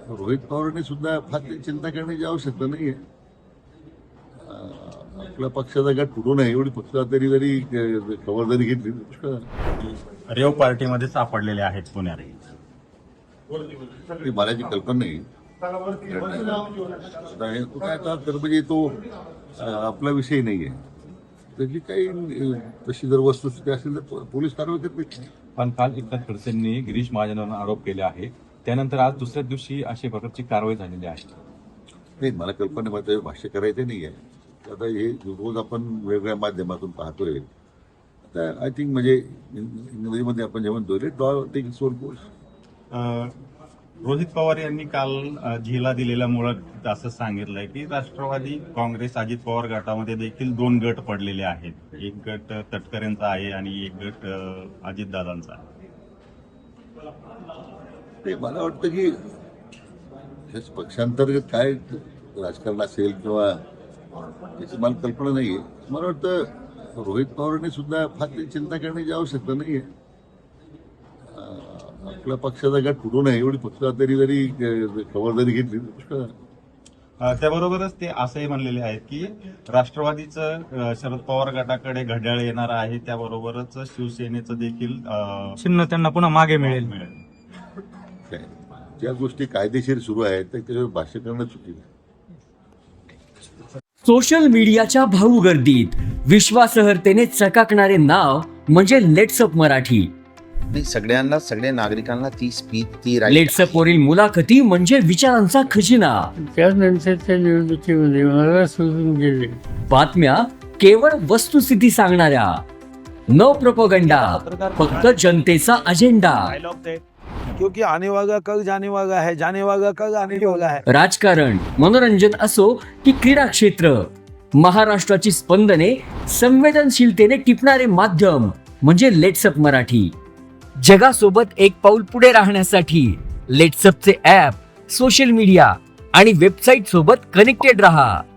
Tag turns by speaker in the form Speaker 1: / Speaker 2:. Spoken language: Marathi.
Speaker 1: रोहित पवारांनी सुद्धा फार चिंता करण्याची आवश्यकता नाहीये. आपल्या पक्षाचा गट फुटू नये एवढी पक्षातरी जरी खबरदारी घेतली पुष्कळ.
Speaker 2: रेव पार्टीमध्ये सापडलेले आहेत पुण्यात.
Speaker 1: मला जी कल्पना नाही तो काय तर म्हणजे तो आपला विषय नाहीये. त्याची काही तशी जर वस्तुस्थिती असेल तर पोलीस कारवाई करतील.
Speaker 3: पण काल एकनाथ खडसेंनी गिरीश महाजनांवर आरोप केले आहे. त्यानंतर आज दुसऱ्या दिवशी अशा प्रकारची कारवाई झालेली आहे.
Speaker 1: नाही मला कल्पना माझं भाष्य करायचं नाही आहे. आता हे रोज आपण वेगवेगळ्या माध्यमातून पाहतोय. आता आय थिंक म्हणजे इंग्रजीमध्ये आपण जेव्हा let law take its own course.
Speaker 2: Rohit Pawar यांनी काल झीला दिलेल्या मुळात असं सांगितलंय की राष्ट्रवादी काँग्रेस अजित पवार गटामध्ये देखील 2 गट पडलेले आहेत. एक गट तटकरेंचा आहे आणि एक गट अजितदादांचा आहे.
Speaker 1: ते मला वाटतं की पक्षांतर्गत काय राजकारण असेल किंवा त्याची मला कल्पना नाहीये. मला वाटतं रोहित पवारांनी सुद्धा फार चिंता करण्याची आवश्यकता नाहीये. आपल्या पक्षाचा गट फुटू नये एवढी पक्षातरी जरी खबरदारी घेतली पुष्कळ.
Speaker 2: त्याबरोबरच ते असंही म्हणलेले आहेत की राष्ट्रवादीचं शरद पवार गटाकडे घड्याळ येणार आहे. त्याबरोबरच शिवसेनेचं देखील
Speaker 4: चिन्ह त्यांना पुन्हा मागे मिळेल.
Speaker 1: ज्या गोष्टी कायदेशीर सुरू आहेत त्याच्यावर भाष्य करणं चुकीचं.
Speaker 5: सोशल मीडियाच्या भाऊ गर्दीत विश्वासार्हतेने चकाकणारे नाव म्हणजे लेट्सअप मराठी.
Speaker 6: सगळ्यांना सगळ्या नागरिकांना ती स्पीच ती
Speaker 5: लेट्सअप वरील मुलाखती म्हणजे विचारांचा खजिना.
Speaker 7: त्यानंतरच्या निवडणुकीमध्ये मला सोडून गेले.
Speaker 5: बातम्या केवळ वस्तुस्थिती सांगणाऱ्या, न प्रोपगंडा, फक्त जनतेचा अजेंडा.
Speaker 8: क्योंकि आने वाला कल जाने वाला है, जाने वाला कल आने वाला है.
Speaker 5: राजकारण, मनोरंजन असो की क्रीडा क्षेत्र, महाराष्ट्राची स्पंदने संवेदनशीलतेने टिपणारे माध्यम म्हणजे लेट्सअप मराठी. जगासोबत एक पाऊल पुढे राहण्यासाठी लेट्सअपचे ॲप, सोशल मीडिया आणि वेबसाईट सोबत कनेक्टेड रहा.